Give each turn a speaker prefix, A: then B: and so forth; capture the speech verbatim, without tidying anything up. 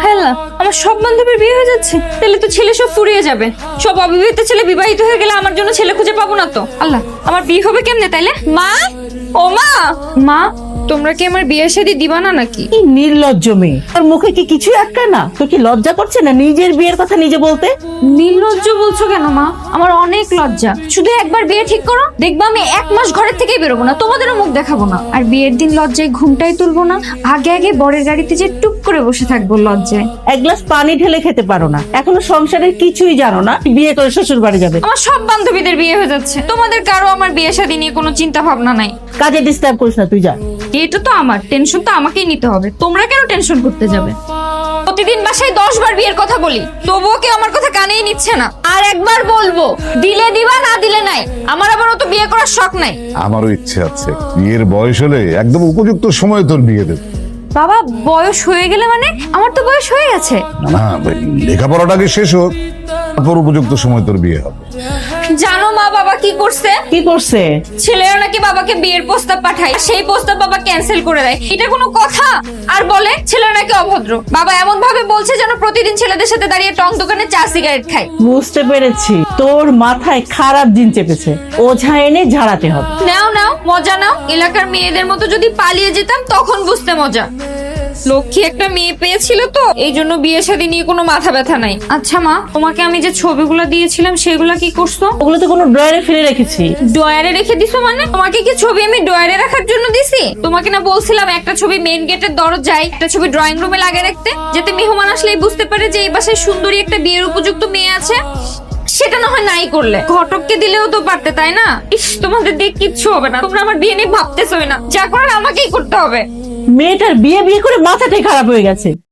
A: Hello, আমার সব বান্ধবীর বিয়ে হয়ে যাচ্ছে, তাহলে তো ছেলে সব ফুরিয়ে যাবে। সব অবিবাহিত ছেলে বিবাহিত হয়ে গেলে আমার জন্য ছেলে খুঁজে পাবো না তো। আল্লাহ, আমার বিয়ে হবে কেমনে তাইলে? মা, ও মা, মা তোমরা কি আমার বিয়ে শাদী দিবা না নাকি?
B: কি নির্লজ্জ মেয়ে, তোর মুখে কি কিছু আটকায় না? তোর কি লজ্জা করছে না নিজের বিয়ের কথা নিজে বলতে?
A: নির্লজ্জ বলছো কেন মা? আমার অনেক লজ্জা। শুধু একবার বিয়ে ঠিক করো, দেখবা আমি এক মাস ঘরের থেকেই বেরোবো না, তোমাদেরও মুখ দেখাবো না। আর বিয়ের দিন লজ্জায় ঘুমটাই তুলবো না, আগে আগে বরের গাড়িতে যে টুক করে বসে থাকবো লজ্জায়।
B: এক গ্লাস পানি ঢেলে খেতে পারো না, এখনো সংসারের কিছুই জানো না, বিয়ে করে শ্বশুর বাড়ি যাবে।
A: আমার সব বান্ধবীদের বিয়ে হয়ে যাচ্ছে, তোমাদের কারো আমার বিয়ে শাদী নিয়ে কোনো চিন্তা ভাবনা নাই।
B: কাজে ডিস্টার্ব করিস না, তুই যা।
A: এটা তো আমার টেনশন, তো আমাকেই নিতে হবে, তোমরা কেন টেনশন করতে যাবে? প্রতিদিন বাসায় দশ বার বিয়ের কথা বলি, তবুও কেউ আমার কথা কানেই নিচ্ছে না। আর একবার বলবো, দিলে দিবা, না দিলে নাই। আমার আবার অত বিয়ে করার শখ নাই।
C: আমারও ইচ্ছে আছে, বিয়ের বয়স হলে একদম উপযুক্ত সময় তোর বিয়ে দেব।
A: বাবা, বয়স হয়ে গেলে মানে? আমার তো বয়স হয়ে গেছে।
C: না, লেখাপড়াটাকে শেষ হোক, তারপর উপযুক্ত সময় তোর বিয়ে হবে।
A: জানো মা বাবা কি করছে?
B: কি করছে?
A: ছেলেরা নাকি বাবাকে বিয়ের প্রস্তাব পাঠায়, সেই প্রস্তাব বাবা ক্যান্সেল করে দেয়। এটা কোনো কথা? আর বলে ছেলেরা নাকি অভদ্র। বাবা এমন ভাবে বলছে যেন প্রতিদিন ছেলেদের সাথে দাঁড়িয়ে টং দোকানে চা সিগারেট খায়।
B: বুঝতে পেরেছি, তোর মাথায় খারাপ দিন চেপেছে, ওঝা এনে ঝাড়াতে হবে।
A: নাও নাও, মজা নাও। এলাকার মেয়েদের মতো যদি পালিয়ে যেতাম তখন বুঝতে মজা। লক্ষ্মী একটা মেয়ে পেয়েছিল তো, এই জন্য বিয়ে শাদী নিয়ে কোনো মাথা ব্যথা নাই। আচ্ছা মা, তোমাকে আমি যে ছবিগুলো দিয়েছিলাম সেগুলা কি করছো?
B: ওগুলো তো কোনো ড্রয়ারে ফেলে রেখেছি।
A: ডয়ারে রেখে দিছো মানে? তোমাকে কি ছবি আমি ডয়ারে রাখার জন্য দিছি? তোমাকে না বলছিলাম একটা ছবি মেইন গেটের দরজায়, একটা ছবি ড্রয়িং রুমে লাগিয়ে রাখতে, যাতে মেহমান আসলেই বুঝতে পারে যে এই বাসায় সুন্দরী একটা বিয়ের উপযুক্ত মেয়ে আছে। সেটা না হয় নাই করলে, ঘটককে দিলেও তো পারতে, তাই না? ইস, তোমাদের দিয়ে কিচ্ছু হবে না, তোমরা আমার বিয়ে নিয়ে ভাবতেছই না, যা করার আমাকেই করতে হবে।
B: মেয়েটার বিয়ে বিয়ে করে মাথাটাই খারাপ হয়ে গেছে।